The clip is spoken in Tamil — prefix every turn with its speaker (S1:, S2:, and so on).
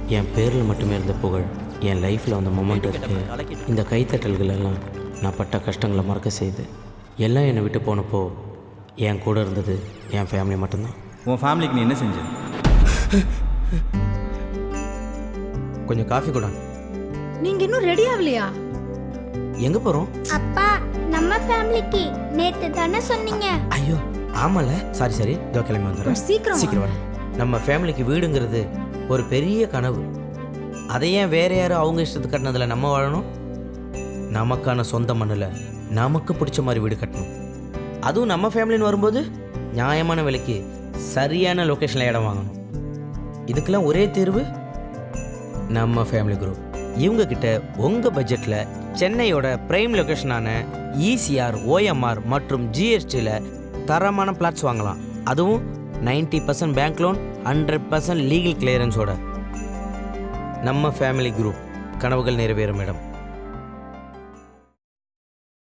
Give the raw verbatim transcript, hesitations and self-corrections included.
S1: என் பேரில் மட்டுமே இருந்த புகழ் என் லைஃப்பில் வந்த மொமெண்ட் இருக்கு. இந்த கைத்தட்டல்கள் எல்லாம் நான் பட்ட கஷ்டங்களை மறக்க செய்து எல்லாம் என்னை விட்டு போனப்போ என் கூட இருந்தது என் ஃபேமிலி மட்டும்தான்.
S2: உன் ஃபேமிலிக்கு நீ என்ன செஞ்ச?
S1: கொஞ்சம் காஃபி கூட.
S3: நீங்க இன்னும் ரெடி ஆகலையா?
S1: எங்க போறோம்?
S4: அப்பா, நம்ம ஃபேமிலிக்கு நேத்து தானே சொன்னீங்க.
S1: ஐயோ ஆமால, சாரி சாரி, இதோ கிளம்பி வந்துடுறேன்.
S3: சீக்கிரம்
S1: சீக்கிரம் வரேன். நம்ம ஃபேமிலிக்கு வீடுங்கிறது ஒரு பெரிய கனவு. அதை ஏன் வேற யாரும் அவங்க இஷ்டத்துக்கு கட்டினதில் நம்ம வாழணும்? நமக்கான சொந்த மண்ணில் நமக்கு பிடிச்ச மாதிரி வீடு கட்டணும். அதுவும் நம்ம ஃபேமிலின்னு வரும்போது நியாயமான விலைக்கு சரியான லொக்கேஷனில் இடம் வாங்கணும். இதுக்கெல்லாம் ஒரே தீர்வு நம்ம ஃபேமிலி குரூப். இவங்க கிட்ட உங்கள் பட்ஜெட்டில் சென்னையோட பிரைம் லொக்கேஷனான இசிஆர், ஓஎம்ஆர் மற்றும் ஜிஎஸ்டியில் தரமான பிளாட்ஸ் வாங்கலாம். அதுவும் ninety percent bank loan, hundred percent legal கிளியரன்ஸோட. நம்ம ஃபேமிலி குரூப், கனவுகள் நிறைவேறும் இடம்.